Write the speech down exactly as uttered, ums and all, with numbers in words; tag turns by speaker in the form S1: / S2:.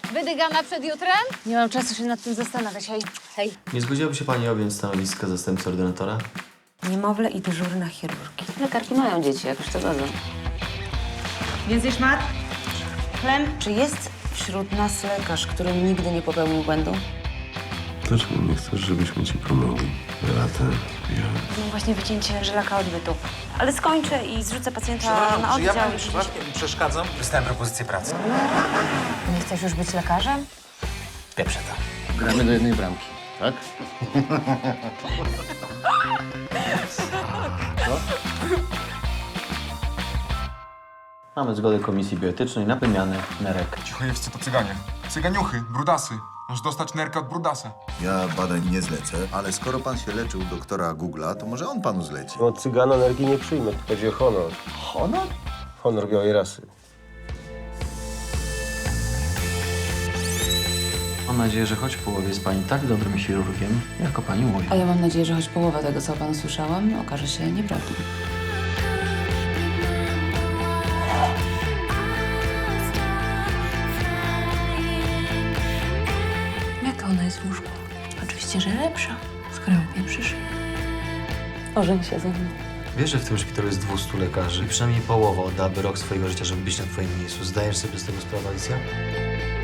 S1: Wydygana przed jutrem?
S2: Nie mam czasu się nad tym zastanawiać. Hej. Hej.
S3: Nie zgodziłaby się pani objąć stanowiska zastępcy ordynatora?
S2: Niemowlę i dyżurna chirurgii.
S4: Lekarki mają dzieci, jakoś to godzą.
S2: Więcej szmat? Chlem?
S4: Czy jest wśród nas lekarz, który nigdy nie popełnił błędu?
S5: Dlaczego nie chcesz, żebyśmy ci pomogli? Beata, ja...
S2: Mam właśnie wycięcie żylaka odbytu. Ale skończę i zrzucę pacjenta
S6: Przepraszam,
S2: na
S6: czy ja
S2: oddział.
S6: pani
S2: i-
S6: przypadkiem przeszkadzam? Dostałem propozycję pracy.
S2: Nie chcesz już być lekarzem?
S6: Pieprze to.
S7: Gramy do jednej bramki, tak?
S3: Mamy zgodę Komisji Bioetycznej na wymianę nerek.
S8: Cichojewscy to cyganie. Cyganiuchy, brudasy. Masz dostać nerkę od brudasa.
S9: Ja badań nie zlecę, ale skoro pan się leczył u doktora Google'a, to może on panu zleci.
S5: Od cygana energii nie przyjmę, tu chodzi o honor.
S3: Honor?
S5: Honor białej rasy.
S3: Mam nadzieję, że choć w połowie jest pani tak dobrym chirurgiem, jako pani mówi.
S4: A ja mam nadzieję, że choć połowa tego, co o panu słyszałam, okaże się nieprawdą.
S2: Jaka ona jest w łóżku? Oczywiście, że lepsza. Skoro mnie przyszła. Ożeń się ze mną.
S3: Wiesz, że w tym szpitalu jest dwustu lekarzy i przynajmniej połowa oddałaby rok swojego życia, żeby być na twoim miejscu. Zdajesz sobie z tego sprawę, Alicja?